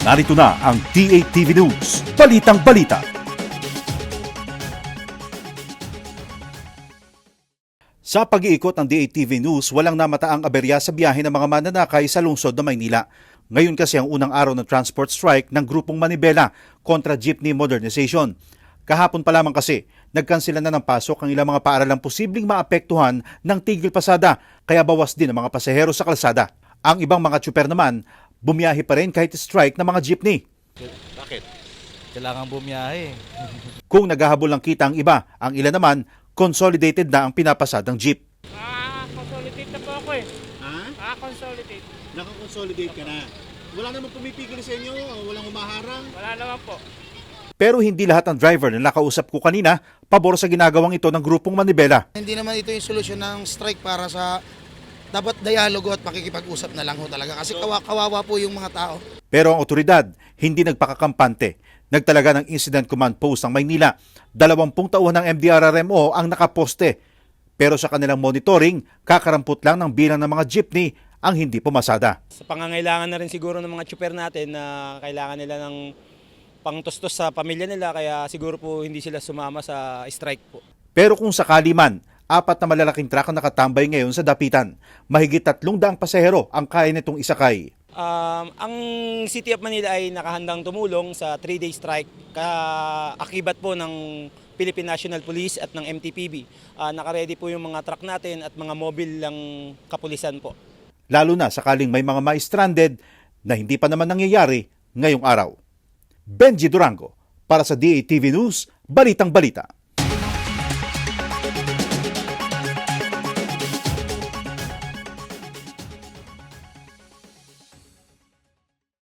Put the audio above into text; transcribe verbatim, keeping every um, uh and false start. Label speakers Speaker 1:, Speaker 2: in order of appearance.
Speaker 1: Narito na ang D A T V News, Balitang Balita. Sa pag-iikot ng D A T V News, walang namataang aberya sa biyahe ng mga mananakay sa lungsod ng Maynila. Ngayon kasi ang unang araw ng transport strike ng grupong Manibela kontra jeepney modernization. Kahapon pa lamang kasi, nagkansila na ng pasok ang ilang mga paaralang posibleng maapektuhan ng tigil pasada, kaya bawas din ang mga pasahero sa kalsada. Ang ibang mga tsuper naman, bumiyahe pa rin kahit strike ng mga jeepney.
Speaker 2: Bakit? Kailangan bumiyahe.
Speaker 1: Kung naghahabol ng kita ang iba, ang ilan naman, consolidated na ang pinapasadang jeep.
Speaker 3: Ah, consolidate na po ako eh.
Speaker 4: Ha?
Speaker 3: Ah, consolidate.
Speaker 4: Nakakonsolidate ka na. Wala namang pumipigil sa inyo, walang humaharang.
Speaker 3: Wala naman po.
Speaker 1: Pero hindi lahat ng driver na nakausap ko kanina pabor sa ginagawang ito ng grupong Manibela.
Speaker 5: Hindi naman ito yung solusyon ng strike para sa dapat dialogo at pakikipag-usap na lang ho talaga kasi kawa kawawa po yung mga tao.
Speaker 1: Pero ang otoridad hindi nagpakakampante. Nagtalaga ng Incident Command Post ng Maynila. Dalawampung tauhan ng M D R R M O ang nakaposte. Pero sa kanilang monitoring, kakarampot lang ng bilang ng mga jeepney ang hindi pumasada.
Speaker 6: Sa pangangailangan na rin siguro ng mga tsuper natin na kailangan nila ng pangtustos sa pamilya nila kaya siguro po hindi sila sumama sa strike po.
Speaker 1: Pero kung sakali man, apat na malalaking truck ang nakatambay ngayon sa dapitan. Mahigit tatlong daang pasahero ang kaya nitong isakay.
Speaker 6: Um, ang City of Manila ay nakahandang tumulong sa three-day strike kaakibat po ng Philippine National Police at ng M T P B. Uh, nakaredy po yung mga truck natin at mga mobile lang kapulisan po.
Speaker 1: Lalo na sakaling may mga ma-stranded na hindi pa naman nangyayari ngayong araw. Benji Durango para sa D A T V News, Balitang Balita.